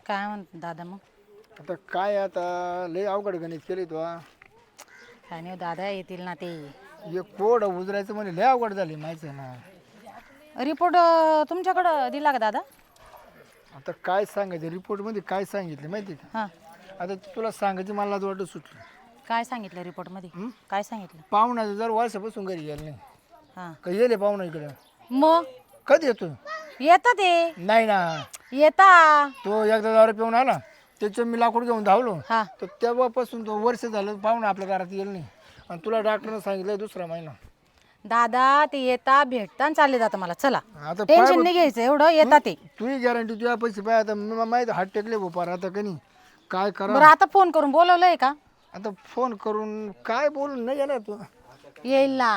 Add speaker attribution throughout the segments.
Speaker 1: काय म्हणतो दादा मग?
Speaker 2: आता काय आता लय अवघड गणित केली तू हा.
Speaker 1: काय नाही हो दादा, येतील ना ते.
Speaker 2: एक कोड उजरायचं म्हणजे लय अवघड झाली माहिती आहे ना.
Speaker 1: रिपोर्ट तुमच्याकडं दिला का दादा?
Speaker 2: आता काय सांगायचं रिपोर्टमध्ये काय सांगितलं माहिती आहे
Speaker 1: हां.
Speaker 2: का? आता तुला सांगायचं मला आज वाटत सुटलं.
Speaker 1: काय सांगितलं रिपोर्टमध्ये? काय सांगितलं?
Speaker 2: पाहुणा जर वर्षापासून घरी गेला नाही
Speaker 1: हां.
Speaker 2: का येले पाहुणा इकडं
Speaker 1: मग
Speaker 2: कधी येतो?
Speaker 1: येतं ते.
Speaker 2: नाही ना,
Speaker 1: येता.
Speaker 2: तो एकदा दारू पिऊन आला त्याचं मी लाकूड घेऊन धावलो
Speaker 1: हां.
Speaker 2: तर तेव्हापासून तो वर्ष झालं पाहुणा आपल्या घरात येईल नाही. आणि तुला डॉक्टरनं सांगितलं दुसरा महिना.
Speaker 1: दादा ते येता भेटता आणि चालले जातं मला. चला,
Speaker 2: आता
Speaker 1: टेन्शन नाही घ्यायचं एवढं. येता ते.
Speaker 2: तुझी गॅरंटी तुझ्या पैसे पाय आता माहिती हात टेकले बोपार आता कनी काय करा.
Speaker 1: बरं, आता फोन करून बोलवलंय का?
Speaker 2: आता फोन करून काय बोलून नाही येणार तू.
Speaker 1: येईल ना.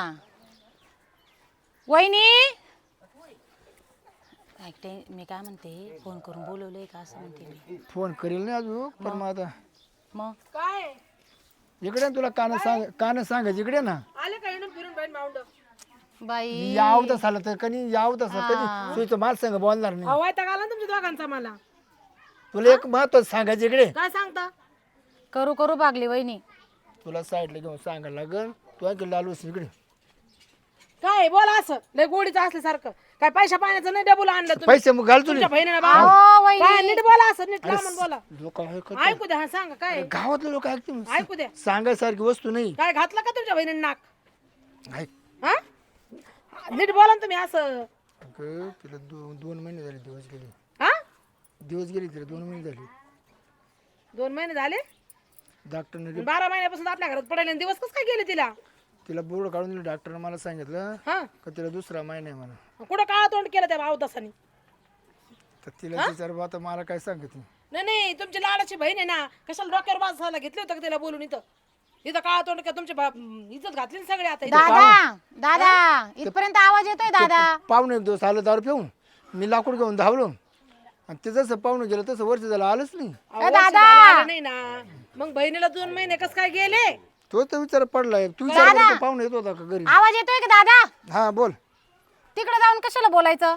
Speaker 1: वहिनी, ऐकते मी काय म्हणते, फोन करून बोलवलंय का असं म्हणते मी.
Speaker 2: फोन करेल नाही अजून पण मग आता
Speaker 1: मग
Speaker 3: काय
Speaker 2: इकडे तुला कान सांगायचं इकडे ना.
Speaker 3: आले का येऊन फिरून बाई माऊंड
Speaker 1: बाई,
Speaker 2: याव तसं आलं तर कनी याव तसं कधी तुझं माझ संग बोलणार नाही.
Speaker 3: हवाय तर घाला तुमच्या दोघांचा मला
Speaker 2: तुला एक महत्वाचं सांगायचं इकडे.
Speaker 3: काय सांगता
Speaker 1: करू करू भागली वहिनी.
Speaker 2: तुला साईडला घेऊन सांगायला लागल तू ऐकलं लालूस इकडे.
Speaker 3: काय बोला असं लय गोडीचं असल्यासारखं काय पैसा पाण्याचं नाही डबल आणलं तुम्ही
Speaker 2: पैसे मग घाल तुला
Speaker 3: तुमच्या बहिणीला
Speaker 1: अहो,
Speaker 3: बा
Speaker 1: वहिनी.
Speaker 3: काय नीट बोला असं नीट लांबून बोला
Speaker 2: लोक
Speaker 3: ऐकू द्या हा सांगा काय
Speaker 2: गावातले लोक ऐकतील
Speaker 3: ऐकू द्या
Speaker 2: सांगायसारखी वस्तू नाही.
Speaker 3: काय घातलं का तुमच्या बहिणीने नाक
Speaker 2: ऐक
Speaker 3: हा नीट बोला ना तुम्ही असं
Speaker 2: अगं, तिला दोन महिने झाले दिवस गेले.
Speaker 3: हा
Speaker 2: दिवस गेले तिला 2 महिने झाले.
Speaker 3: 2 महिने झाले
Speaker 2: डॉक्टरने
Speaker 3: 12 महिन्यापासून आपल्या घरात पडायला दिवस कसं काय गेले तिला
Speaker 2: तिला बोर्ड काढून दिलं. डॉक्टरने मला सांगितलं
Speaker 3: हा
Speaker 2: का तिला दुसरा महिना आहे म्हणा.
Speaker 3: कुठं काळा तोंड केलं त्या भावदासानी
Speaker 2: तर तिला विचार आता मला काय सांगत नाही.
Speaker 3: नाही नाही तुमची लाडाची बहीण आहे ना कशाला डोक्यावर बसायला घेतलं होतं का तिला बोलून इथं इथं काळा तोंड का तुमची इज्जत घातली ना सगळे आता इथं.
Speaker 1: दादा, दादा, इथपर्यंत आवाज येतोय दादा.
Speaker 2: पाहुणे एक दिवस आलं दारू पिऊन मी लाकूड घेऊन धावलो आणि ते जसं पाहुणे गेलं तसं वर्ष झालं आलंच नाही.
Speaker 3: अहो, वर्ष झालं आलं नाही ना मग बहिणीला 2 महिने कस काय गेले
Speaker 2: तो तर विचार पडलाय. तू विचार करतो पाहुणे येत होता का घरी.
Speaker 1: आवाज येतोय का दादा?
Speaker 2: हा बोल.
Speaker 1: तिकडे जाऊन कशाला बोलायचं?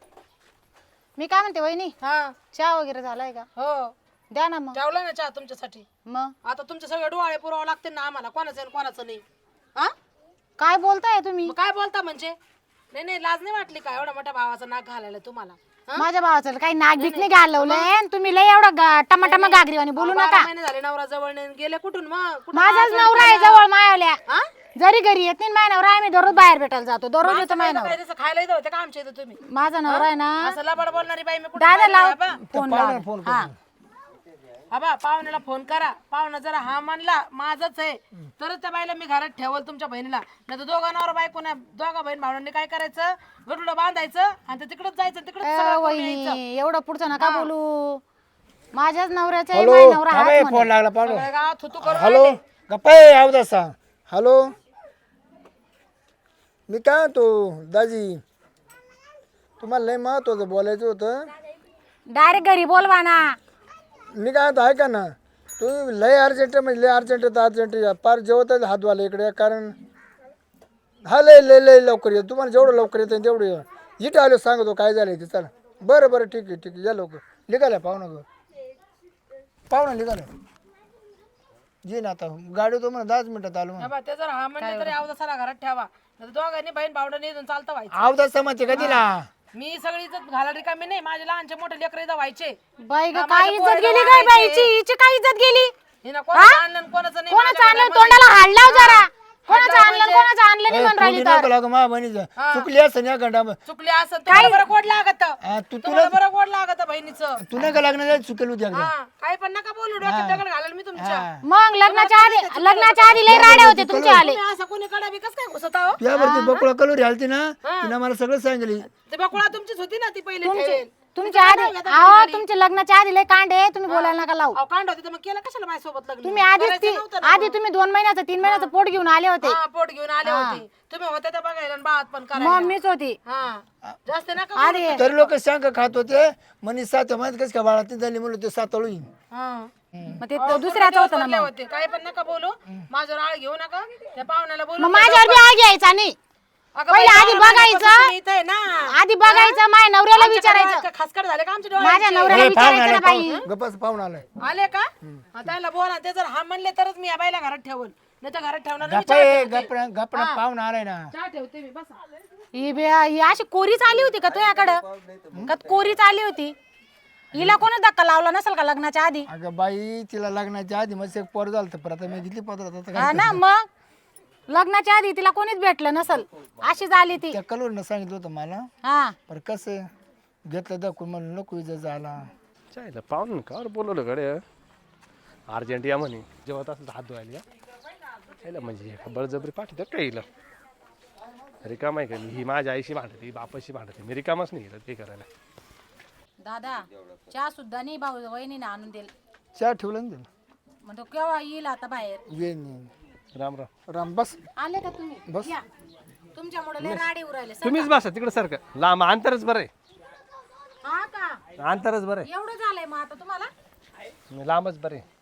Speaker 1: मी काय म्हणते वहिनी,
Speaker 3: हा
Speaker 1: चहा वगैरे झालाय का?
Speaker 3: हो
Speaker 1: द्या ना मग.
Speaker 3: ठेवला ना चहा तुमच्यासाठी
Speaker 1: मग
Speaker 3: आता तुमचे सगळे डोळे पुरावे लागते ना आम्हाला कोणाचं आणि कोणाचं नाही हा
Speaker 1: काय बोलताय तुम्ही?
Speaker 3: मग काय बोलता म्हणजे नाही नाही लाज नाही वाटली का एवढ्या मोठ्या भावाचं नाक घालायला तुम्हाला हा?
Speaker 1: माझ्या भावाचं काही नाक बीक नाही घालवलंय आणि तुम्ही लय एवढं टमाटमा गागरीवानी बोलू
Speaker 3: 12
Speaker 1: नका.
Speaker 3: महिने झाले नवरा जवळ नाही गेले कुठून मग कुठून
Speaker 1: माझाच
Speaker 3: आवाज
Speaker 1: नवरा आहे
Speaker 3: काढला?
Speaker 1: जवळ मायावल्या.
Speaker 3: हा?
Speaker 1: जरी घरी येत नाही माझा नवरा, आम्ही दररोज बाहेर भेटायला जातो. दररोज येतो माझा
Speaker 3: काय
Speaker 1: नवरा.
Speaker 3: तसं खायला येतं होते का आमच्या इथं तुम्ही
Speaker 1: माझा नवरा आहे ना.
Speaker 3: असं लबाड बोलणारी बाई मी कुठे
Speaker 1: दादा लाव
Speaker 3: बा
Speaker 1: फोन
Speaker 2: पाहुण्याला
Speaker 1: लाव.
Speaker 2: फोन
Speaker 1: हा.
Speaker 3: आबा पाहुण्याला फोन करा. पाहुणा जरा हा म्हणला माझंच आहे तरच त्या बाईला मी घरात ठेवल तुमच्या बहिणीला. नाही तर दोघा नवरा बायको ना दोघा बहीण भावंडांनी काय करायचं गरुडं बांधायचं आणि ते तिकडच जायचं तिकडच सगळं करून यायचं.
Speaker 1: वहिनी एवढं पुढचं नका बोलू. माझ्याच नवऱ्याचं आहे,
Speaker 2: हॅलो
Speaker 1: माझा नवरा
Speaker 2: थांबा,
Speaker 1: हाच
Speaker 2: फोन
Speaker 1: म्हणे.
Speaker 2: लागला पाहुणे.
Speaker 3: सगळं गावात थुतू करून
Speaker 2: हॅलो
Speaker 3: राहिले.
Speaker 2: गप्पा आव सांग. हॅलो मी काय म्हणतो दाजी तुम्हाला लय महत्वाचं बोलायचं होतं.
Speaker 1: डायरेक्ट घरी बोलवा ना.
Speaker 2: मी काय म्हणतो ऐका ना तुम्ही लय अर्जंट म्हणजे लय अर्जंट तर अर्जंट या पार जेवत हात वाला इकडे कारण हा लय लय लय लवकर ये. तुम्हाला जेवढं लवकर येतं तेवढं ये. इथं आलो सांगतो काय झालं ते. चला बरं बरं ठीक आहे या लवकर. निघाल्या पाहुणा निघालं जी ना आता गाडी तो म्हणा 10 मिनिटात आलो म्हणा.
Speaker 3: आबा, ते जर हा म्हणले तरी अवधा सारा घरात ठेवा नाही तर दोघांनी बहीण भावंडांनी इथून चालतं व्हायचं.
Speaker 2: आवदा समजते का तिला.
Speaker 3: मी सगळी इज्जत घाला रिकामी नाही माझे लहानचे मोठे लेकर इथं व्हायचे
Speaker 1: बाई ग,
Speaker 3: हा,
Speaker 1: काय
Speaker 3: माझ्या
Speaker 1: इज्जत
Speaker 3: पोरीला
Speaker 1: गेली काय
Speaker 3: वाढायचे.
Speaker 1: बाईची? हिची काय इज्जत गेली?
Speaker 3: हिनं कोणाचं आणलं आणि कोणाचं नाही
Speaker 1: कोणाचं
Speaker 3: माझ्या
Speaker 1: आणलं
Speaker 3: घरामध्ये.
Speaker 1: तोंडाला हाड लाव जरा. कोणाचं
Speaker 3: हाड लाव
Speaker 1: आणलं आणि
Speaker 3: म्हणजे?
Speaker 1: कोणाचं आणलं नाही म्हणून राहिली तर.
Speaker 2: मा बहिणीचं चुकली असं या घंटा
Speaker 3: चुकली असं तुम्हाला बरं गोड लागत
Speaker 2: तू
Speaker 3: तुम्हाला बरं गोड लागत बहिणीचं
Speaker 2: तू नाही का लग्न झालं चुकेल होती एकदा.
Speaker 3: हा काही पण नका बोलू डोक्यात दगड घालेल मी तुमच्या
Speaker 1: मग लग्नाच्या आधी लय राडे होते तुमचे आले.
Speaker 3: तुम्ही असं कोणी कडा बी कसं काय घुसत आहो
Speaker 2: त्यावरती बकुळा कलोरी आलती ना तिनं मला सगळं सांगितलं.
Speaker 3: ते बकुळा तुमचीच होती ना ती पहिले ठेवेल
Speaker 1: तुमच्या आधी अहो तुमच्या लग्नाच्या आधी लय कांडे. तुम्ही बोलायला नका लावू.
Speaker 3: अहो कांड होती तर मग केलं कशाला माझ्यासोबत लग्न
Speaker 1: तुम्ही आधी
Speaker 3: करायचं नव्हतं ना.
Speaker 1: आधी तुम्ही 2 महिन्याचं 3 महिन्याचं पोट घेऊन आले होते.
Speaker 3: हा पोट घेऊन आले होते तुम्ही होते तर बघायला आणि बाळात पण
Speaker 1: मग
Speaker 3: करायला
Speaker 1: मीच होती.
Speaker 3: हा जास्त नका
Speaker 1: आधी
Speaker 2: तरी लोक सांग खात होते म्हणे 7 महिन्यात कसं काय बाळा ती झाली म्हणलं ते 7 येईन.
Speaker 3: हा
Speaker 1: मग ते दुसऱ्याचं होतं ना.
Speaker 3: बोलले
Speaker 1: मग
Speaker 3: होते काही पण नका बोलू माझ्यावर आळ घेऊ नका त्या पाहुण्याला बोलू
Speaker 1: मग माझ्यावर बी आग यायचा नाही.
Speaker 3: अगं
Speaker 1: पहिले
Speaker 3: बाई,
Speaker 1: आधी
Speaker 3: बारा
Speaker 1: बघायचं.
Speaker 3: महिन्यापासून तुम्ही इथं आहे ना.
Speaker 1: आधी बघायचं माझ्या नवऱ्याला
Speaker 3: आमच्या
Speaker 1: विचारायचं
Speaker 3: घरात खासकर झाले का आमच्या
Speaker 1: माझ्या
Speaker 3: डोळ्याचे?
Speaker 1: नवऱ्याला विचारायचं ना बाई
Speaker 2: गप्पाच पाहून आलाय
Speaker 3: आले का हा, त्याला बोला ते जर हा म्हणले तरच मी या बाईला घरात ठेवल नाही तर घरात ठेवणार नाही. मी चहा ठेवते.
Speaker 2: गप्पा पाहून आलाय ना.
Speaker 3: चहा ठेवते मी बसा.
Speaker 1: ही अशी कोरीच आली होती का तुझ्याकडं का कोरीच आली होती हिला कोणी धक्का लावला नसेल का लग्नाच्या आधी
Speaker 2: अगं बाई तिला लग्नाच्या आधी मग एक पोर झालं परत आता मी घेतली पत्र आता काय
Speaker 1: हा ना मग लग्नाच्या आधी तिला कोणीच भेटलं नसल अशीच आली ती
Speaker 2: त्या कलवरनं सांगितलं होतं मला
Speaker 1: हा
Speaker 2: पर कसं घेतलं दाखवून म्हणून नको इजा झाला.
Speaker 4: चायला पाहून का बोलवलं गडे अर्जंट या म्हणे जेवत असेल तर हात धुवायला या चायला म्हणजे बळजबरी पाठवतात का हिला रिकाम आहे का मी ही माझ्या आईशी भांडते बापाशी भांडते मी रिकामच नाही गेलं ते करायला.
Speaker 1: दादा चहा सुद्धा नाही भाऊ वहिनीने आणून दिल
Speaker 2: चहा ठेवलं ना
Speaker 1: म्हणतो केव्हा येईल आता बाहेर
Speaker 2: ये नाही.
Speaker 4: राम राम
Speaker 2: राम बस
Speaker 1: आले का तुम्ही
Speaker 2: बस.
Speaker 1: या. तुमच्यामुळे लय राडे उरायले
Speaker 4: तुम्हीच बसा तिकडे सारखं लांब अंतरच बरं आहे
Speaker 1: हा का
Speaker 4: अंतरच बरं
Speaker 1: एवढं झालंय मग आता तुम्हाला
Speaker 4: आहे मी लांबच बरं आहे.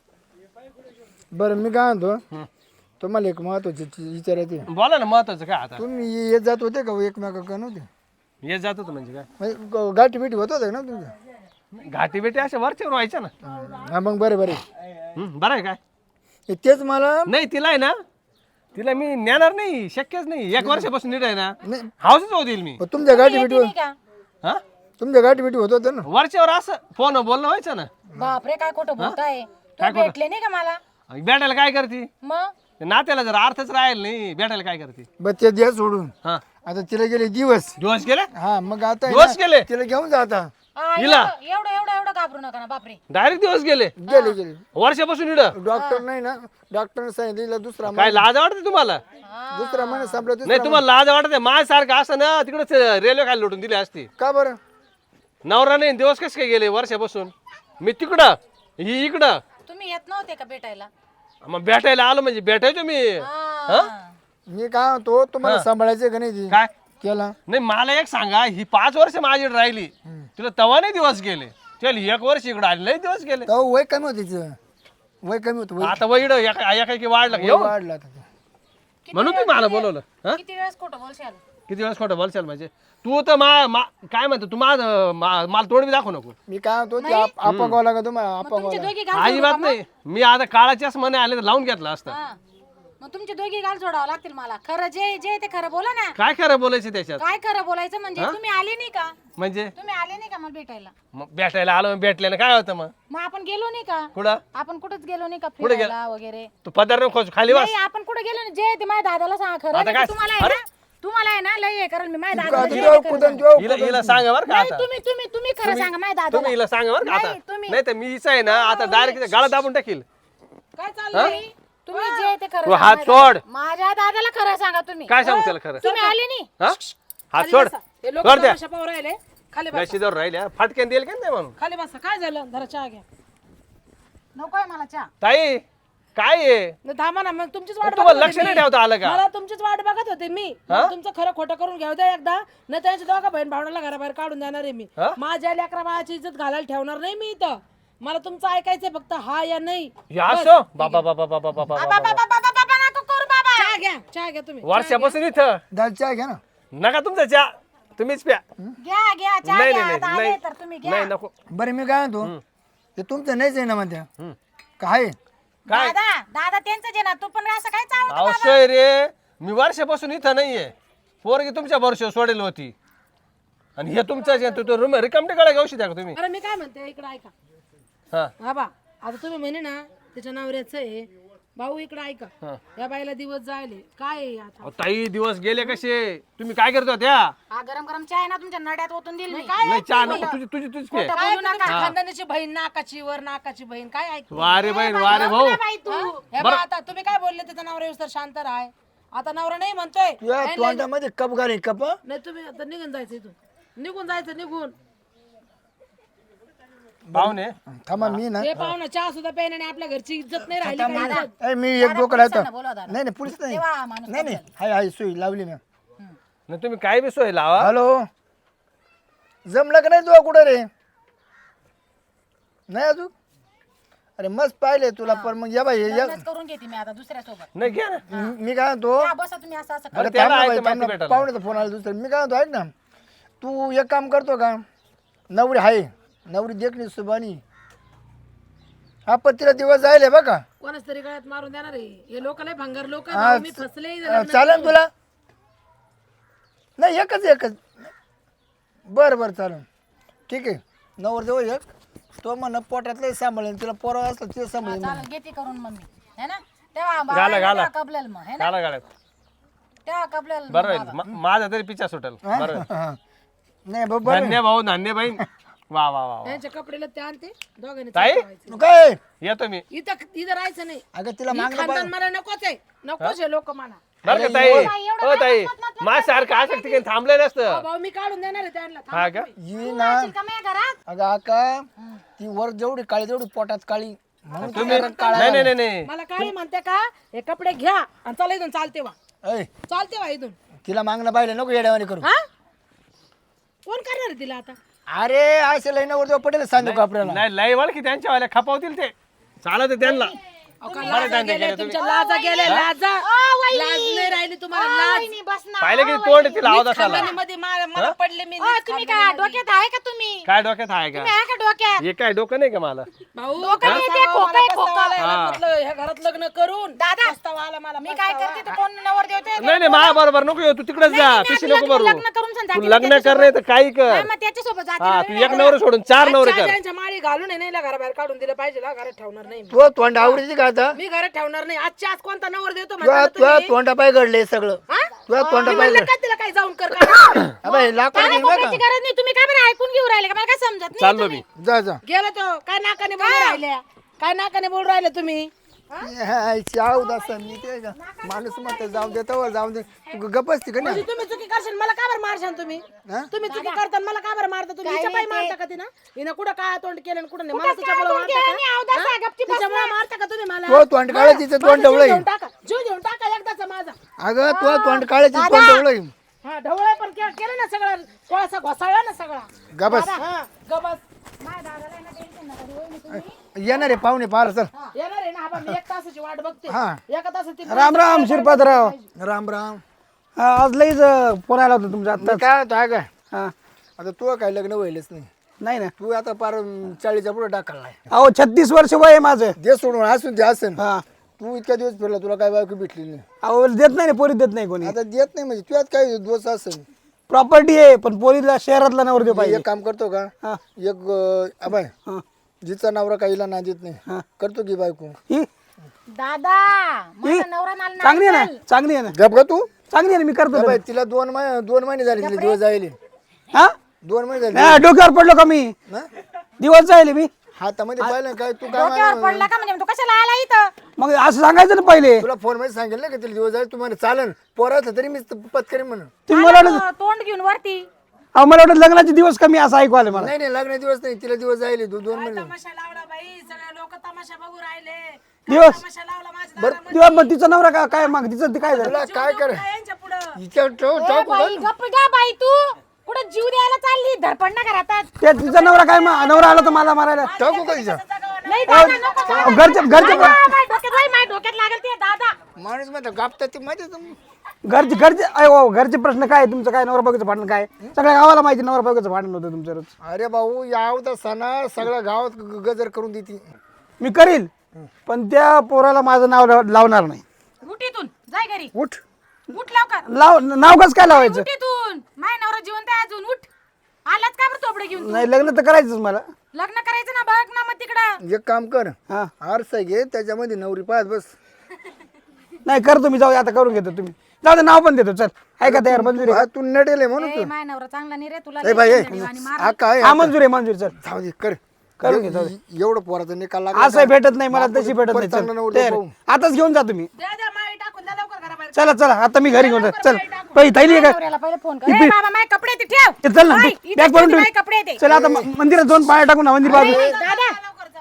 Speaker 2: बरं मी काय म्हणतो तुम्हाला एक महत्वाची विचारायचे
Speaker 4: बोला ना महत्वाचं काय आता
Speaker 2: तुम्ही येत जात होते का एकमेका नव्हते
Speaker 4: येत जात होतं म्हणजे काय
Speaker 2: म्हणजे गाठी बिठी होत होते ना तुमच्या
Speaker 4: घाटी बेटी अशा वरच्यावर व्हायच्या ना.
Speaker 2: हा मग बरे बरे
Speaker 4: बरं आहे काय
Speaker 2: तेच मला
Speaker 4: नाही तिला आहे ना तिला मी नेणार नाही शक्यच नाही 1 वर्षापासून नीट आहे ना
Speaker 2: नाही
Speaker 4: हाऊसच होऊ देईल मी
Speaker 2: तुमच्या गाठी बिठी
Speaker 1: नाही का
Speaker 4: हा
Speaker 2: तुमच्या गाठी बिठी होत होते ना.
Speaker 4: वरच्यावर असं फोन बोलणं व्हायचं ना.
Speaker 1: बापरे काय खोटं बोलताय तो भेटले नाही का मला
Speaker 4: भेटायला काय करते
Speaker 1: मग
Speaker 4: ते नात्याला जर अर्थच राहील नाही भेटायला काय करते
Speaker 2: बरं ते द्या सोडून
Speaker 4: हा
Speaker 2: आता तिला गेले दिवस
Speaker 4: दिवस गेले
Speaker 2: हा मग आता आहे
Speaker 4: दिवस
Speaker 2: ना,
Speaker 4: गेले
Speaker 2: तिला घेऊन जा आता
Speaker 4: हिला?
Speaker 1: एवढं एवढं एवढं घाबरू नका ना बापरे
Speaker 4: डायरेक्ट दिवस गेले
Speaker 2: गेले गेले
Speaker 4: वर्षापासून इकडं
Speaker 2: डॉक्टर नाही ना डॉक्टरने सांगितलं दुसरा
Speaker 4: काय लाज वाटते तुम्हाला
Speaker 2: दुसरा महिना संपला
Speaker 4: नाही तुम्हाला लाज वाटते माझ्यासारखं असं ना तिकडे रेल्वे खाली लुटून दिली असती
Speaker 2: का बरं
Speaker 4: नवरा नाही दिवस कसे काय गेले वर्षापासून मी तिकडं ही इकडं
Speaker 1: तुम्ही येत नव्हते का भेटायला
Speaker 4: मग भेटायला आलो म्हणजे भेटायचो मी
Speaker 1: हा.
Speaker 2: मी काय म्हणतो तुम्हाला सांभाळायचं का नाही ती?
Speaker 4: काय
Speaker 2: केला
Speaker 4: नाही मला एक सांगा ही 5 वर्ष माझी राहिली तिला तवा नाही दिवस गेले चल 1 वर्ष इकडे आले लय दिवस गेले
Speaker 2: तेव्हा वय कमी होतं तिचं वय कमी होतं वय
Speaker 4: आता वैड एका वाढला
Speaker 2: वय
Speaker 4: येऊ
Speaker 2: वाढलं आता ते.
Speaker 4: म्हणून तुम्ही मला बोलवलं हा
Speaker 1: किती वेळेस खोटं बोलशाल
Speaker 4: किती वेळेस खोटं बोलशाल म्हणजे तू तर काय म्हणतो तू मला तोड बी दाखवू नको
Speaker 2: मी काय म्हणतो ते आपण लागा तुम्हाला आपण
Speaker 1: तुमचे दोघी गाल
Speaker 4: अजिबात नाही मी आता काळाच्याच मने आले तर लावून घेतला असतं
Speaker 1: हा. मग तुमचे दोघी गाल जोडावं लागतील मला खरं जे जे ते खरं बोला ना
Speaker 4: काय खरं बोलायचं त्याच्यात
Speaker 1: काय खरं बोलायचं म्हणजे तुम्ही आले नाही का
Speaker 4: म्हणजे
Speaker 1: तुम्ही आले नाही का मला भेटायला
Speaker 4: मग भेटायला आलो भेटल्यानं काय होतं मग
Speaker 1: आपण गेलो नाही का
Speaker 4: कुठं
Speaker 1: आपण कुठंच गेलो नाही का फिरायला वगैरे
Speaker 4: तू पदार खोच खाली बस
Speaker 1: नाही आपण कुठे गेलो नाही जे ते माझ्या दादाला सांगा खरं
Speaker 4: आता
Speaker 1: नाही
Speaker 4: काय?
Speaker 1: तर तुम्हाला आहे ना तुम्हाला आहे ना लय हे करेल मी माझ्या
Speaker 2: आता
Speaker 1: दादाला जे
Speaker 2: जेव्हा
Speaker 1: ते
Speaker 2: कुठं
Speaker 1: करेल.
Speaker 2: जेव्हा
Speaker 4: हिला सांगा बरं का
Speaker 1: नाही
Speaker 4: आता
Speaker 1: तुम्ही तुम्ही तुम्ही खरं सांगा माझ्या
Speaker 4: तुम्ही
Speaker 1: दादाला
Speaker 4: हिला सांगा बरं का आता
Speaker 1: नाही, तुम्ही-
Speaker 4: नाही तर मी हिचं आहे ना आता डायरेक्ट गाळा दाबून टाकील
Speaker 3: काय चाललंय
Speaker 1: तुम्ही जे ते खरं
Speaker 4: तू
Speaker 1: सांगा
Speaker 4: हात
Speaker 1: माझ्या
Speaker 4: सोड.
Speaker 1: दादाला. माझ्या दादाला खरं सांगा तुम्ही
Speaker 4: काय सांगू त्याला खरं
Speaker 1: तुम्ही आले नाही
Speaker 4: हा हात
Speaker 3: खाली
Speaker 4: सोड
Speaker 3: बसा. हे लोक
Speaker 4: सोड द्या
Speaker 3: तमाशा पाहू राहिले खाली बसा
Speaker 4: गशीजवळ राहिल्या फाटक्यान देईल का नाही म्हणून
Speaker 3: खाली बसा काय झालं जरा चहा घ्या
Speaker 1: नकोय मला चहा
Speaker 4: ताई काय आहे
Speaker 3: नाही, थांबा ना मग तुमचीच वाट
Speaker 4: तुम्हाला
Speaker 3: बघत
Speaker 4: लक्ष
Speaker 3: होते
Speaker 4: नाही
Speaker 3: मी.
Speaker 4: ठेवता आलं का
Speaker 3: मला तुमचीच वाट बघत होते मी मला तुमचं खरं खोटं करून घ्याव द्या एकदा नाही त्यांच्या दोघा बहीण भावनाला घराबाहेर काढून देणार आहे मी
Speaker 4: हा?
Speaker 3: माझ्या लेकरा बाळाची इज्जत घालायला ठेवणार नाही मी इथं मला तुमचं ऐकायचंय फक्त हा या नाही
Speaker 4: हे असं बाबा बाबा बाबा बाबा
Speaker 1: बाबा
Speaker 4: बाबा
Speaker 1: बाबा बाबा बाबा नको करू बाबा
Speaker 3: चहा घ्या तुम्ही
Speaker 4: वर्षापासून इथं
Speaker 2: दाल चहा घ्या ना
Speaker 4: नका तुमचा चहा तुम्हीच प्या
Speaker 1: घ्या घ्या चहा
Speaker 4: नाही
Speaker 1: घ्या
Speaker 4: नाही
Speaker 1: आता
Speaker 4: नाही
Speaker 1: आले तर तुम्ही घ्या
Speaker 4: नाही नको
Speaker 2: बरं मी काय म्हणतो ते तुमचं नाहीच आहे ना म्हणत्या काय
Speaker 4: काय
Speaker 1: दादा दादा त्यांचं जे ना तू पण असं काय चावतो
Speaker 4: अवश्य रे मी वर्षापासून इथं नाहीये पोरगी तुमच्या वर्षावर सोडेल होती आणि हे तुमचं तू रूम रिकामटे गळा घेऊ द्या का तुम्ही
Speaker 3: अरे मी काय म्हणते इकडे ऐका
Speaker 4: हा
Speaker 3: हा बा आता तुम्ही म्हणे ना त्याच्या नवऱ्याचं आहे भाऊ इकडे ऐका या बाईला दिवस जायले काय आहे आता
Speaker 4: अहो, ताई दिवस गेले कसे तुम्ही काय करतो त्या
Speaker 1: हा गरम गरम चहा आहे ना तुमच्या नड्यात ओतून दिली मी
Speaker 4: नाही चहा नको तुझीच पे
Speaker 1: खोटं
Speaker 3: काय
Speaker 1: बोलू
Speaker 3: तुमच्या
Speaker 1: नका
Speaker 3: खानदानीची बहीण नाकाची वर नाकाची बहीण काय ऐक
Speaker 4: वारे बहीण वारे भाऊ
Speaker 1: बाई तू
Speaker 3: हे बा आता तुम्ही काय बोलले त्याचा नवरा येऊस तर शांत राहाय आता नवरा नाही म्हणतोय
Speaker 2: तुझ्या तोंडामध्ये कप घाले कप
Speaker 3: नाही तुम्ही आता निघून जायचं इथून निघून जायचं निघून
Speaker 4: पाहुणे
Speaker 2: थांबा मी ना
Speaker 3: हे पाहुणा चहा सुद्धा प्यायला आणि आपल्या घरची इज्जत नाही राहिली काय इज्जत?
Speaker 2: ए, मी एक डोकं लावतो
Speaker 1: पोलिसांना बोलवा दादा.
Speaker 2: नाही नाही पोलीस नाही
Speaker 1: तेव्हा माणूस
Speaker 2: नाही नाही हाय हाय सुई लावली मी
Speaker 4: नाही तुम्ही काय बी सोय लावा
Speaker 2: हॅलो जमलं का नाही तुला कुठं रे नाही अजून अरे मस्त पाहिले तुला पण मग या बाई
Speaker 1: लग्नच करून घेते मी आता दुसऱ्या सोबत
Speaker 4: नाही घ्या ना
Speaker 2: मी काय म्हणतो
Speaker 1: बसा तुम्ही असं असं
Speaker 2: अरे
Speaker 4: त्याला
Speaker 2: थांब ना
Speaker 4: आहे
Speaker 2: बाई,
Speaker 4: तर
Speaker 2: थांब
Speaker 4: माहिती
Speaker 2: ना.
Speaker 4: भेटायला.
Speaker 2: पाहुण्याचा फोन आला दुसरं मी काय म्हणतो ऐक ना तू एक काम करतो का नवरी आहे नवरी देखणी सुबानी हा पण तिला दिवस जायले बघा
Speaker 3: कोणाच तरी गळ्यात मारून देणार आहे हे लोक लय भंगार लोक
Speaker 2: हा,
Speaker 3: मी फसले
Speaker 2: चालेल तुला नाही एकच बरं बरं चालेल ठीक आहे नवर जवळ एक तो म्हण पोटातलं सांभाळेल तिला पोरं असलं तिला सांभाळेल
Speaker 1: चालेल घेते करून मम्मी है ना तेव्हा
Speaker 4: घाला, घाला.
Speaker 1: तेव्हा कबलेल मग है ना
Speaker 4: गाला गाड्यात
Speaker 1: तेव्हा कबलेल
Speaker 4: बरं होईल माझा तरी पिच्छा सुटेल बरं होईल.
Speaker 2: हा. नाही बरोबर
Speaker 4: धन्य भाऊ धन्य बहीण वा वा वा वा.
Speaker 3: त्यांच्या कपडेला ते आणते दोघांनी
Speaker 4: ताई
Speaker 3: चालवायचं.
Speaker 2: तू काय
Speaker 4: येतो मी
Speaker 3: इथं राहायचं नाही
Speaker 2: अगं तिला
Speaker 3: ही
Speaker 2: मागणं
Speaker 3: खानदान मला नकोच आहे नकोच आहे लोक मला
Speaker 4: बरं का ताई हो ताई माझ्यासारखं असं ठिकाणी थांबलं नसतं
Speaker 3: भाऊ मी काढून देणार आहे त्यांना थांब.
Speaker 4: हा का
Speaker 2: ही ना
Speaker 1: का माझ्या घरात
Speaker 2: अगं आका ती वर जेवढी काळी तेवढी पोटात काळी म्हणून
Speaker 4: तुम्ही नाही नाही नाही नाही
Speaker 3: मला काळी म्हणते का हे कपडे घ्या आणि चला इथून चालते वा
Speaker 2: ऐ,
Speaker 3: चालते वा इथून
Speaker 2: तिला मागणं पाहिलं नको येड्यावानी करू
Speaker 3: हा कोण करणार आहे तिला आता
Speaker 2: अरे असे लई नवर जेव्हा पटेल सांगू का आपल्याला
Speaker 4: नाही लय वळ की त्यांच्या वाल्या खपावतील ते चालत आहे त्यांना
Speaker 3: अहो, का लाजा गेल्या तुमच्या लाजा गेल्या लाजा लाज नाही राहिली तुम्हाला लाज
Speaker 1: वहिनी, बस ना
Speaker 4: पाहिलं की तोंड तिला आवाज असाला
Speaker 3: खानदानीमध्ये मला पडले मी
Speaker 1: तुम्ही काय डोक्यात आहे का तुम्ही
Speaker 4: काय डोक्यात आहे का
Speaker 1: आहे का डोक्यात
Speaker 4: हे काय डोकं नाही का मला
Speaker 3: भाऊ
Speaker 1: डोकं नाही ते, खोकं आहे, खोकं.
Speaker 3: ह्या घरात लग्न करून
Speaker 1: दादा
Speaker 3: पस्तावा आला मला
Speaker 1: मी काय करते तर कोण नवर देवते
Speaker 4: नाही नाही माझ्या बरोबर नको येऊ तू तिकडेच जा पिशी नको भरू
Speaker 1: लग्न करून सांग
Speaker 4: तू लग्न कर नाही तर काही कर
Speaker 1: मग त्याच्यासोबत
Speaker 4: हा
Speaker 1: जाते
Speaker 4: तू एक नवर सोडून 4 नवरे कर
Speaker 3: त्यांच्या माळी घालून नाही घराबाहेर काढून दिलं पाहिजे ना घरात ठेवणार नाही मी.
Speaker 2: तो तोंड आवडीची का आता
Speaker 3: मी घरात ठेवणार नाही आजच्या आज कोणता नवर देतो
Speaker 2: तुला
Speaker 3: म्हणता ना
Speaker 2: तुला
Speaker 3: तुम्ही?
Speaker 2: तोंडा पाय घडले सगळं
Speaker 3: हा?
Speaker 2: तुला तोंडा
Speaker 3: मी
Speaker 2: पाय
Speaker 3: म्हणलं
Speaker 2: घड
Speaker 3: का तिला काय जाऊन कर काय?
Speaker 2: अबे लाकूड
Speaker 1: काय
Speaker 2: घेऊन
Speaker 1: खोकल्याची गरज नाही तुम्ही काय बरं ऐकून घेऊ राहिले का मला काय समजत नाही
Speaker 4: चाललो मी
Speaker 2: जा जा
Speaker 3: गेलो तो काय नाकाने बोलून राहिल्या काय नाकाने बोलून राहिले तुम्ही
Speaker 2: चाव दसन मी ते का माणूस मत जाऊ देतो जाऊ दे तू गप्पच ती का
Speaker 3: म्हणजे
Speaker 2: नाही
Speaker 3: तुम्ही चुकी करशाल मला का बरं मारशाल तुम्ही
Speaker 2: हा?
Speaker 3: तुम्ही चुकी करताना मला का बरं मारता तुम्ही हिच्या पायी मारता का तिनं हिनं कुठं काय तोंड केलं आणि कुठं नाही मला तिच्यामुळे मारता का तिच्यामुळे मारता का तुम्ही मला
Speaker 2: तो तोंड काळ तिचं तोंड
Speaker 3: माझा जीव
Speaker 2: ढवळय
Speaker 3: घेऊन टाका जीव घेऊन टाका एकदाचा माझा
Speaker 2: अगं तो तोंड काळ तिचं तोंड ढवळय
Speaker 3: हा ढवळे पण केलं ना सगळं कोळसा घोसाळला ना सगळा
Speaker 2: गबस
Speaker 3: हा गबस
Speaker 2: येणार आहे पाहुणे पार चल
Speaker 3: येणार आहे ना हा बा, मी 1 तासाची वाट बघते
Speaker 2: हा.
Speaker 3: एका तासात ती
Speaker 5: राम राम शिरपातराव
Speaker 2: राम राम
Speaker 5: हा, आज लईच फोन आला होता तुमचा
Speaker 2: मी
Speaker 5: आता
Speaker 2: काय होतं काय
Speaker 5: हा
Speaker 2: आता तू काय लग्न व्हायलंच नाही
Speaker 5: नाही ना
Speaker 2: तू आता पार 40च्या पुढे टाकलाय
Speaker 5: अहो 36 वर्ष वय आहे माझं
Speaker 2: दे सोडून असून ते असन
Speaker 5: हा
Speaker 2: तू इतक्या दिवस फिरला तुला काय बायको भेटली नाही
Speaker 5: अहो देत नाही ना पोरी देत नाही कोणी
Speaker 2: आता देत नाही म्हणजे तुझ्यात काय दोष असेल
Speaker 5: प्रॉपर्टी आहे पण पोरीला शहरातला नवर देऊ पाहिजे
Speaker 2: एक काम करतो का
Speaker 5: हा
Speaker 2: एक अबाय
Speaker 5: हा
Speaker 2: जिचा नवरा काहीला ना देत नाही
Speaker 5: हा.
Speaker 2: करतो की बायको
Speaker 5: ही
Speaker 1: दादा माझा नवरा मला नाही
Speaker 5: चांगली आहे ना चांगली आहे ना
Speaker 2: गप का तू
Speaker 5: चांगली आहे ना मी करतो
Speaker 2: अबाय तिला 2 महिने झाले तिला दिवस जायले
Speaker 5: हा
Speaker 2: 2 महिने झाले
Speaker 5: हा, डोक्यावर पडलो का मी
Speaker 2: ना
Speaker 5: दिवस जायले मी
Speaker 2: हातामध्ये पाहिलं काय तू काय
Speaker 1: डोक्यावर पडला का म्हणजे तू कशाला आला इथं
Speaker 5: मग असं सांगायचं ना पहिले
Speaker 2: तुला फोन मध्ये सांगेल ना का तिला दिवस जायला तुम्हाला चालन पोराचं तरी मी पत्करी म्हणून
Speaker 5: तुम्ही मला वाटलं
Speaker 1: आला तो, तोंड घेऊन वरती
Speaker 5: अहो मला वाटलं लग्नाचे दिवस कमी असं ऐकू आलं मला
Speaker 2: नाही नाही लग्न दिवस नाही तिला दिवस जायले 2 महिने
Speaker 3: तमाशा लावला बाई सगळे लोक तमाशा बघू राहिले
Speaker 5: दिवस
Speaker 3: तमाशा लावला माझ्या
Speaker 5: दिवस मग तिचा नवरा काय मग तिचं ते काय झालं
Speaker 2: तुला काय कर
Speaker 3: यांच्या पुढं
Speaker 2: हिच्या ठेव
Speaker 1: ए बाई गप्प घ्या बाई तू कुठं जीव द्यायला चालली धडपड ना घरात
Speaker 5: ते तिचा नवरा काय नवरा आला तर मला मारायला
Speaker 2: टाकू का हिच्या
Speaker 1: नाही दादा नको जाऊ.
Speaker 5: अहो, घरचे
Speaker 1: माझ्या डोक्यात लागेल ते दादा
Speaker 2: माणूस म्हणतो गापतात ती माहिती
Speaker 5: घरचे घरचे प्रश्न काय आहे? तुमचं काय नवरा बायकोचं भांडण काय आहे? सगळ्या गावाला माहिती नवरा बायकोचं भांडण होतं तुमचं रोज
Speaker 2: अरे भाऊ यावता सणा सगळ्या गावात गजर करून देते
Speaker 5: मी करील पण त्या पोराला माझं नाव लावणार नाही
Speaker 1: उठ इथून जाय घरी
Speaker 2: उठ
Speaker 1: उठ लवकर
Speaker 5: नाव कसं काय लावायचं
Speaker 1: उठ इथून माय नवरा जिवंत आहे अजून उठ आलाच का बरं तोबडे घेऊन तू?
Speaker 5: नाही लग्न तर करायचंच मला
Speaker 1: लग्न करायचं ना बघ ना मग तिकडं
Speaker 2: एक काम कर
Speaker 5: हा
Speaker 2: आरसा घे त्याच्यामध्ये नवरी पाहत बस
Speaker 5: नाही करतो मी जाऊ दे, आता करून घेतो तुम्ही जाऊ दे नाव पण देतो चल ऐका तयार मंजुरी
Speaker 2: हा, तू नटेल आहे म्हणून
Speaker 1: ए माय नवरा चांगला नाही रे तुला
Speaker 2: ए भाई ए,
Speaker 1: लई आणि मार.
Speaker 2: हा काय
Speaker 5: हा मंजुरी मंजुरी चल
Speaker 2: जाऊ दे कर
Speaker 5: करून घे, जाऊ
Speaker 2: एवढं पोराचा निकाल
Speaker 5: असं भेटत नाही मला तशी भेटत नाही
Speaker 2: चांगला
Speaker 5: चल
Speaker 2: नवरा
Speaker 5: तयार.
Speaker 2: पाहू.
Speaker 5: आताच घेऊन जा तुम्ही
Speaker 3: द्या द्या माळी टाकून द्या लवकर घराबाहेर
Speaker 5: चला चला आता मी घरी घेऊन जा चल पहिली थैली आहे का
Speaker 1: नवऱ्याला पहिले फोन कर ए बाबा माझे कपडे ते ठेव
Speaker 5: ते चल ना
Speaker 1: बाई, इथे
Speaker 5: बॅग भरून
Speaker 1: ठेव,
Speaker 5: ठेव
Speaker 1: माझे कपडे ते
Speaker 5: चल आता मंदिरात दोन पाया टाकून ना मंदिर बाजू
Speaker 1: दादा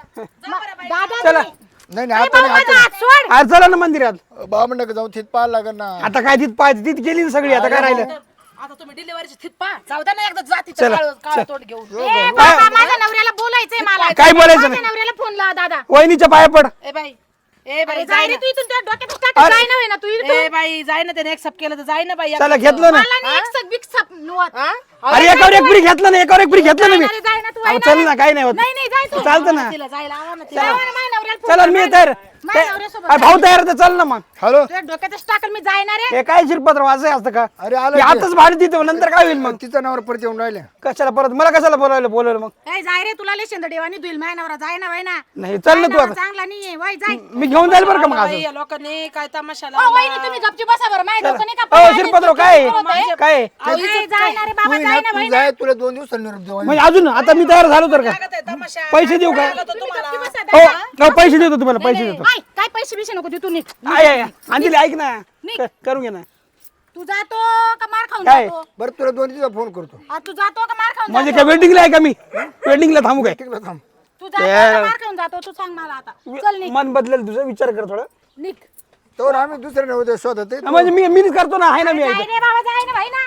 Speaker 1: दादा
Speaker 5: चला
Speaker 2: नाही नाही
Speaker 1: ए
Speaker 2: आता
Speaker 1: बाबा माझा हात सोड
Speaker 5: आज चला ना मंदिरात
Speaker 2: बाबा नका जाऊ तिथ पाहायला लागेल ना
Speaker 5: आता काय तिथ पाहायची तिथ गेली ना सगळी आता काय राहिलं
Speaker 3: आता तुम्ही डिलिव्हरीची थित पा जाऊ द्या ना एकदा जातीचं काळ तोंड घेऊन
Speaker 1: ए बाबा माझ्या नवऱ्याला बोल बोलायचंय मला.
Speaker 5: काय बोलायचं
Speaker 1: माझ्या
Speaker 5: नाही?
Speaker 1: नवऱ्याला फोन लावा दादा.
Speaker 5: वहिनीच्या पाया पड.
Speaker 3: ए बाई ए बाई
Speaker 1: जाय रे तू इथून, त्या डोक्यात टाक. जाय ना होय ना तू इथून.
Speaker 3: ए बाई जाय ना त्याने एक्सेप्ट केलं तर जाय ना बाई
Speaker 5: चला घेतलं ना.
Speaker 1: मला नाही एक सग बिग सप नुवत.
Speaker 5: अरे एकावर एक पुरी घेतलं ना, एकावर एक पुरी घेतलं ना मी.
Speaker 1: अरे जाय ना तू.
Speaker 5: अहो, चल ना, काही नाही होत.
Speaker 1: नाही नाही जाय तू.
Speaker 5: चालतं ना.
Speaker 3: तिला जायला आवा ना
Speaker 1: जाय ना, माझ्या नवऱ्याला फोन
Speaker 5: चला
Speaker 1: कर.
Speaker 5: मी तयार.
Speaker 1: माझ्या नवऱ्यासोबत
Speaker 5: अरे भाऊ तयार तर चल ना मग.
Speaker 2: हॅलो
Speaker 1: तुझ्या डोक्यातच टाकल मी जायणार आहे.
Speaker 5: हे काय शिरपत्र वाजय असतं का?
Speaker 2: अरे आलं
Speaker 5: हे आताच भाडे देतो, नंतर काय होईल मग?
Speaker 2: तिचा नवर परत येऊन राहिले.
Speaker 5: कशाला परत मला कशाला बोलवलं मग?
Speaker 1: ए जाय रे, तुला लय शेंदडेवानी दुईल माझ्या नवरा. जाय ना वय ना.
Speaker 5: नाही चल ना तू आता.
Speaker 1: चांगला नाहीये वय जाय.
Speaker 5: मी घेऊन जाईल बरं का मग
Speaker 3: बाई,
Speaker 5: असं.
Speaker 3: या लोकांनी काय तमाशा
Speaker 1: ओ
Speaker 3: लावला.
Speaker 1: वहिनी तुम्ही गपची बसा बरं. माझ्या डोकं नाही का
Speaker 5: अहो
Speaker 1: पाहिजे?
Speaker 5: शिरपत्र काय काय
Speaker 1: ए, जाय ना रे बाबा,
Speaker 2: तू
Speaker 1: जाय
Speaker 2: ना,
Speaker 1: ना
Speaker 2: तू
Speaker 1: वय
Speaker 2: जाय, तुला 2 दिवसांनी निरोप देऊ.
Speaker 5: म्हणजे अजून आता मी तयार झालो तर का?
Speaker 3: काय करताय तमाशा
Speaker 5: पैसे देऊ का?
Speaker 1: तुम्ही गपची बसा
Speaker 5: हो
Speaker 1: दादा.
Speaker 5: हो, पैसे देतो तुम्हाला, पैसे देतो.
Speaker 1: आय, काय पैसे बिशे नको देऊ तू निघ.
Speaker 5: आहे अंजली ऐक ना, करून घे ना.
Speaker 1: तू जातो का मार खाऊन
Speaker 5: काय?
Speaker 1: जातो?
Speaker 2: बरं तुला 2 दिवसात फोन करतो.
Speaker 1: तू जातो का मार खाऊन
Speaker 5: म्हणजे
Speaker 1: जातो?
Speaker 5: काय वेटिंगला आहे का मी? वेटिंगला थांबू काय?
Speaker 2: ठीक आहे थांब.
Speaker 1: तू जातो का मार खाऊन जातो? तू सांग मला आता. चल निघ.
Speaker 5: मन बदलेल तुझं, विचार कर थोडं.
Speaker 1: निघ.
Speaker 2: तर आम्ही दुसऱ्या नव्हते शोधत आहे.
Speaker 5: म्हणजे मीच करतो ना, आहे ना मी.
Speaker 1: जाय रे बाबा, जाय ना भाई ना.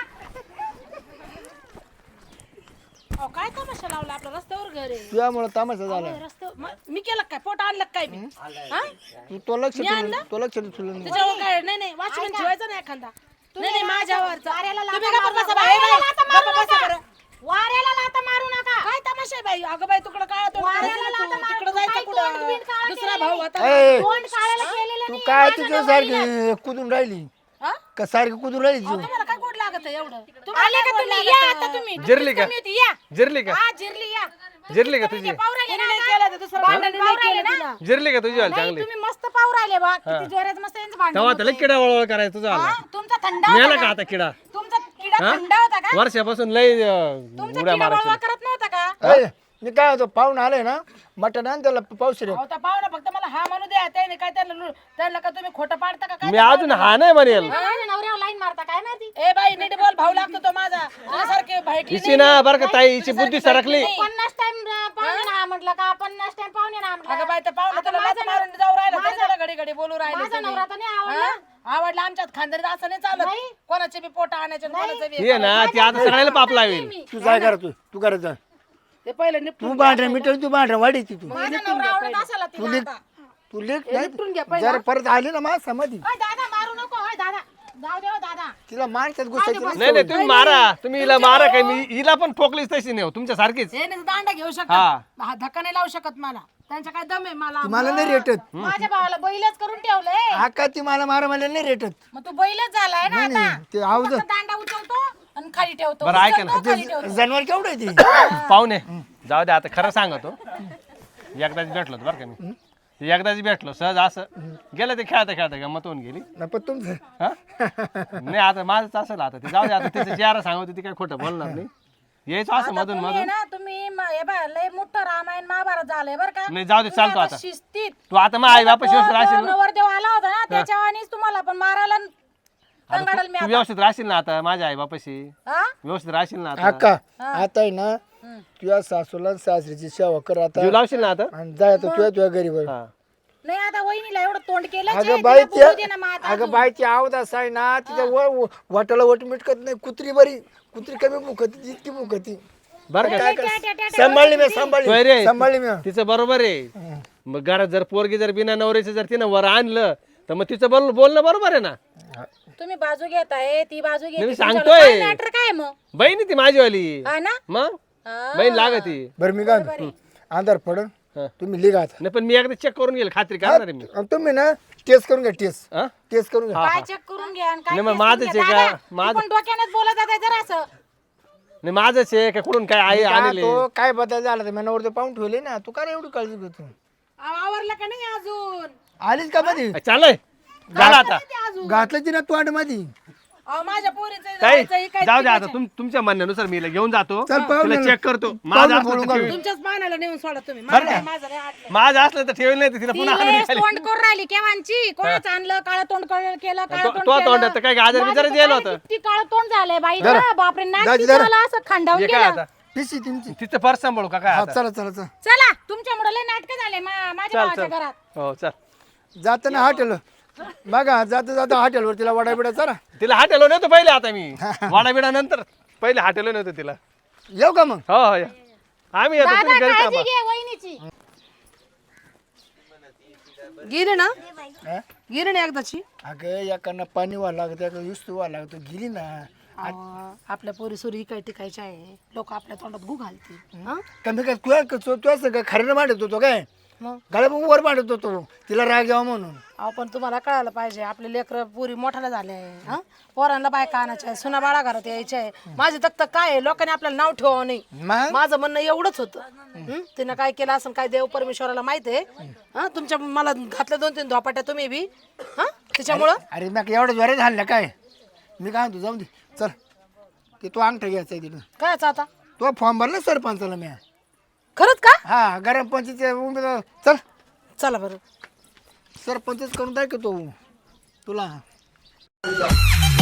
Speaker 3: अहो, काय तमाशा लावला आपल्या रस्त्यावर घर आहे
Speaker 2: तुझ्यामुळे तामाशा झाला.
Speaker 3: रस्त्यावर मी केलं काय पोट आणलं काय मी हा?
Speaker 2: तो लक्ष तुला नाही.
Speaker 3: त्याच्यावर काय नाही नाही वाचून ठेवायचं नाही एखादा नाही नाही माझ्यावर
Speaker 1: वाऱ्याला लाथा
Speaker 3: तुम्ही गप्प
Speaker 1: मारू
Speaker 3: बसा
Speaker 1: नका.
Speaker 3: बाई,
Speaker 1: वाऱ्याला लाथा मारू
Speaker 3: गप्प बसा
Speaker 1: नका.
Speaker 3: बरं.
Speaker 1: वाऱ्याला लाथा मारू नका.
Speaker 3: काय तमाशा आहे बाई अगं बाई तुकडं काळा तोंड
Speaker 1: वाऱ्याला
Speaker 3: करायचं
Speaker 1: लाथा
Speaker 3: तू.
Speaker 1: मारू.
Speaker 3: तिकडं
Speaker 1: तू
Speaker 3: जायचं
Speaker 1: काही
Speaker 3: कुठं
Speaker 1: तोंड बिंड काळं
Speaker 3: दुसरा
Speaker 1: केलेलं
Speaker 3: भाऊ
Speaker 1: नाही.
Speaker 3: होता
Speaker 2: ए,
Speaker 1: तोंड काढायला केलेलं
Speaker 2: तू
Speaker 1: नाही.
Speaker 2: काय
Speaker 1: माझ्या
Speaker 2: तुझ्या
Speaker 1: नवऱ्याला.
Speaker 2: सारखी कुदून राहिली
Speaker 3: हा?
Speaker 2: का? सारखी कुदून राहिली तू.
Speaker 3: तुम्हाला काय गोड लागत आहे एवढं
Speaker 1: आले
Speaker 3: तुम्हाला
Speaker 1: का
Speaker 3: काय गोड
Speaker 1: तुम्ही?
Speaker 3: लागत
Speaker 1: या
Speaker 3: आहे?
Speaker 1: आता तुम्ही.
Speaker 4: जिरली का?
Speaker 1: तुम्ही येते, या.
Speaker 4: जिरली का?
Speaker 1: हा, जिरली या.
Speaker 4: जिरली का तुझी?
Speaker 1: पाहू राहिले
Speaker 3: तिने
Speaker 1: ना
Speaker 3: नाही
Speaker 1: आता?
Speaker 3: केलं तर दुसरं भांडण नाही केलं
Speaker 1: ना?
Speaker 3: तिला
Speaker 4: जिरली का तुझी वाली
Speaker 1: नाही,
Speaker 4: चांगली?
Speaker 1: तुम्ही मस्त पाहू राहिले बा. किती जोरात मस्त यांचं भांडण
Speaker 4: तेव्हा
Speaker 1: होतंय.
Speaker 4: त्याला किडा वळवळ करायचा तुझा आला.
Speaker 1: हा, तुमचा थंड
Speaker 4: मिळाला
Speaker 1: होता
Speaker 4: का
Speaker 1: का?
Speaker 4: आता किडा?
Speaker 1: तुमचा किडा
Speaker 4: हा?
Speaker 1: थंड होता का?
Speaker 4: वर्षापासून लय
Speaker 1: तुमचा
Speaker 4: उड्या
Speaker 1: किडा
Speaker 4: मारायच्या.
Speaker 1: बळवा करत नव्हता का?
Speaker 2: ए, मी काय होतो पाहून आलोय ना मटण आण त्याला पाऊस रे.
Speaker 3: अहो, त्या पाहुणा फक्त मला हा म्हणू द्या त्याने काय त्यांना का तुम्ही खोटं पाडता का काय
Speaker 4: मी अजून हा नाही म्हणेल.
Speaker 1: माझ्या नवऱ्यावर लाईन मारता काय माहिती?
Speaker 3: ए बाई नीट बोल भाऊ लागतो तो माझा तुझ्यासारखे भाईटली
Speaker 4: हिची ना बरं का ताई, हिची बुद्धी सरकली.
Speaker 1: 50 टाइम पाहुणे ना म्हटलं का? 50 टाइम पाहुणे ना म्हटलं.
Speaker 3: अगं बाई त्या पाहुणा
Speaker 1: आता
Speaker 3: तुला लाथ
Speaker 1: माझा
Speaker 3: मारून जाऊ राहिला तरी त्याला घडी घडी बोलू राहिले
Speaker 1: माझा
Speaker 3: तुम्ही.
Speaker 1: नवरा तर नाही आवडला.
Speaker 3: हा? आवडला आमच्यात खानदारीत असं नाही चालत
Speaker 1: नाही.
Speaker 3: कोणाचे बी पोट आणायचे आणि कोणाचे बी
Speaker 4: हे ना ती आता सगळ्याला पाप लावेल.
Speaker 2: तू काय करा तू करायचं.
Speaker 3: ते पहिले निपटून
Speaker 2: तू भांडण मिटव, तू भांडण वाढीची तू.
Speaker 1: माझा नवरा आवडत असेल
Speaker 2: तू
Speaker 1: तिला
Speaker 2: लेख
Speaker 1: आता.
Speaker 2: तू लेख
Speaker 3: निपटून घ्या
Speaker 2: नाही जर परत आली ना माझ्या समाधी
Speaker 1: ओय दादा मारू नको. ओय दादा जाऊ दे. ओ दादा
Speaker 2: तिला माणसात गुस्सा
Speaker 4: नाही नाही तुम्ही मारा, तुम्ही हिला मारा काय, मी हिला पण ठोकलीच तशी नाही हो, तुमच्या सारखीच.
Speaker 3: हे नाही दांडा घेऊ शकत
Speaker 4: हा.
Speaker 3: हा धक्का नाही लावू शकत मला त्यांच्या काय दम आहे मला
Speaker 2: मला नाही रेटत.
Speaker 1: माझ्या भावाला बैलच करून ठेवलंय.
Speaker 2: आका ती मला मला नाही रेटत.
Speaker 1: मग तू बैलच झालाय ना आता.
Speaker 2: ते आवाज
Speaker 1: फक्त दांडा उचलतो आणि खाली ठेवतो.
Speaker 4: बरं, ऐका ना.
Speaker 1: उचलतो, खाली ठेवतो.
Speaker 2: जनावर केवढं आहे ते.
Speaker 4: पाहुणे जाऊ दे आता, खरं सांगतो. एकदाच भेटलो होतो बरं का मी. एकदाच भेटलो सहज असं गेलं ते खेळता खेळता गंमत होऊन गेली.
Speaker 2: नाही पण तुमचं
Speaker 4: हा? नाही आता माझंच असं आता ते जाऊ दे आता, तिचं चेहरा सांगतो ती काय खोटं बोलणार नाही. यायचं असं मधून
Speaker 1: तुम्ही
Speaker 4: मधून.
Speaker 1: ना तुम्ही हे बघा लय मोठं रामायण महाभारत झालंय बरं का?
Speaker 4: नाही जाऊ दे,
Speaker 1: तुम्ही
Speaker 4: चालतो आता.
Speaker 1: शिस्तीत.
Speaker 4: तू आता मग आई बापाशी व्यवस्थित राहशील ना?
Speaker 1: नवरदेव आला होता ना त्याच्यावानीच तुम्हाला पण मारायला कंगाडल मी
Speaker 4: तू
Speaker 1: आता.
Speaker 4: व्यवस्थित राहशील ना आता माझ्या आई बापाशी?
Speaker 1: हा?
Speaker 4: व्यवस्थित राहशील ना आता?
Speaker 2: आका आता आहे ना तुझ्या सासूला आणि सासरीची सेवा कर आता
Speaker 4: जीव लावशील ना आता?
Speaker 2: आणि जाय आता तुझ्या घरी बर.
Speaker 4: हा.
Speaker 1: नाही आता वहिनीला एवढं तोंड केलं
Speaker 2: अगं बाई अगं बाईची आवड असा आहे ना तिच्या वाटाला वट मिटकत नाही. कुत्री बरी, कुत्री कमी मुखती जितकी मुखती.
Speaker 4: बरं का?
Speaker 2: काय कर सांभाळली मी
Speaker 4: होय रे.
Speaker 2: सांभाळली मी.
Speaker 4: तिचं बरोबर आहे. मग घरात जर पोरगी जर बिना नवऱ्याचं जर तिनं वर आणलं तर मग तिचं बोलणं बरोबर आहे ना.
Speaker 1: तुम्ही बाजू घेताय ती बाजू घेते.
Speaker 4: मी सांगतोय.
Speaker 1: मॅटर काय मग?
Speaker 4: बहीण ती माझीवाली.
Speaker 1: हा ना?
Speaker 4: मग
Speaker 1: हा.
Speaker 4: बहीण लागती.
Speaker 2: बरं मी काय म्हणतो, अंधार पडन
Speaker 4: हा.
Speaker 2: तुम्ही लिगा आता.
Speaker 4: नाही पण मी एकदा चेक करून घेईल, खात्री करणार आहे मी.
Speaker 2: आणि तुम्ही ना टेस्ट करून घ्या. टेस्ट
Speaker 4: हा?
Speaker 2: टेस्ट करून घ्या.
Speaker 1: काय चेक करून घ्या आणि काय
Speaker 4: नाही, मग
Speaker 1: test
Speaker 4: माझंच
Speaker 1: करून
Speaker 4: आहे
Speaker 1: घ्या.
Speaker 4: का?
Speaker 1: दादा,
Speaker 4: माझं-
Speaker 1: तू पण डोक्यानेच बोलत जाताय जरा असं.
Speaker 4: नाही माझंच आहे का कुठून काय आई
Speaker 2: काय
Speaker 4: आणले?
Speaker 2: तो काय बदल झाला तर मनावर पाहून ठेवले ना. तू काय एवढी काळजी घेतो.
Speaker 3: आवरलं का नाही अजून
Speaker 2: आलीच का मध्ये
Speaker 4: चालय झालं आता.
Speaker 2: घातलं ती ना तू आड मध्ये.
Speaker 3: अहो माझ्या पोरीचं
Speaker 4: ताई
Speaker 3: जायचं, हे काय
Speaker 4: जाऊ दे आता, तुमच्या म्हणण्यानुसार मी हिला घेऊन जातो.
Speaker 2: चल, पाहून
Speaker 4: तुला
Speaker 2: ये.
Speaker 4: चेक करतो.
Speaker 2: पाहून
Speaker 4: माझं
Speaker 2: ये,
Speaker 4: असलं
Speaker 2: बोलून
Speaker 4: तर
Speaker 2: घाल.
Speaker 4: ठेवील.
Speaker 3: तुमच्याच पानाला नेऊन सोडा तुम्ही
Speaker 4: बरं का?
Speaker 3: माझं नाही आटलं.
Speaker 4: माझं असलं तर ठेवलं नाही तर तिला
Speaker 1: ती
Speaker 4: पुन्हा आणून
Speaker 1: वेळेस
Speaker 4: घाली.
Speaker 1: तोंड करून राहिली केव्हांची. कोणाचं आणलं काळं तोंड केलं काळं
Speaker 4: तो-
Speaker 1: तोंड
Speaker 4: तो
Speaker 1: केलं.
Speaker 4: तोंडात तर काय गाजर बिजर
Speaker 1: माझं
Speaker 4: दिलं
Speaker 1: तर
Speaker 4: होतं.
Speaker 1: किती काळं तोंड झालंय बाई
Speaker 2: जरा.
Speaker 1: बापरे नाक
Speaker 2: जा,
Speaker 1: तिचं
Speaker 2: जरा.
Speaker 1: मला असं खांडावून
Speaker 4: हे काय
Speaker 1: केलं.
Speaker 4: आता
Speaker 2: पिशी तुमची.
Speaker 4: तिचं पर्स सांभाळू का काय
Speaker 2: हा
Speaker 4: आता?
Speaker 2: चला चला चला.
Speaker 1: चला तुमच्यामुळे लय नाटक झाले माझ्या
Speaker 4: चल
Speaker 1: भावाच्या
Speaker 4: चल
Speaker 1: घरात.
Speaker 4: हो चल.
Speaker 2: जाताना हॉटेल बघा जाता जाता हॉटेलवर तिला वडा बिडा चला.
Speaker 4: तिला हाटेलो नव्हतं पहिले, आता मी वाडा बिडा नंतर पहिले हाटेलो नव्हतं तिला.
Speaker 2: येऊ का मग?
Speaker 4: हो हो या. आम्ही येतो
Speaker 1: दादा
Speaker 4: तुम्ही घरी
Speaker 1: काळजी
Speaker 4: थांबा.
Speaker 1: घे वहिनीची.
Speaker 3: गेली ना
Speaker 2: हा?
Speaker 3: गेली ना एकदाची.
Speaker 2: अगं एकानं पाणी व्हावं लागतं एका युस्तू व्हावं लागतं गेली ना.
Speaker 3: अहो, आपल्या पोरी सोरी काय टिकायच्या आहे, लोक आपल्या तोंडात गु घालतील. हं?
Speaker 2: कमी काय तुझं काय खरं मांडत होतो काय
Speaker 3: मग
Speaker 2: गाड्या वर मांडत होतो तिला राग यावा म्हणून.
Speaker 3: अहो पण तुम्हाला कळायला पाहिजे आपले लेकर पुरी मोठाला झाले आहे. हं? पोरांना बायका आणायच्या आहे, सुना बाळा घरात यायच्या आहे. माझी तक्त काय आहे, लोकांनी आपल्याला नाव ठेवावं नाही.
Speaker 2: मग
Speaker 3: माझं म्हणणं एवढंच होतं. हं? तिनं काय केलं असं काय देव परमेश्वराला माहित आहे. हं? तुमच्या मला घातल्या 2-3 धोपाट्या तुम्ही बी. हं? त्याच्यामुळं
Speaker 2: अरे मग एवढं ज्वारे झालं काय मी काय म्हणतो जाऊन दे चल ते तो अंगठा घ्यायचा आहे तिथं
Speaker 3: कायच आता
Speaker 2: तो फॉर्म भरला सरपंचाला मी.
Speaker 3: खरंच का?
Speaker 2: हा गरम पंचायत उमेदवार चल
Speaker 3: चला बरं.
Speaker 2: सरपंचच करून दाखवतो तुला.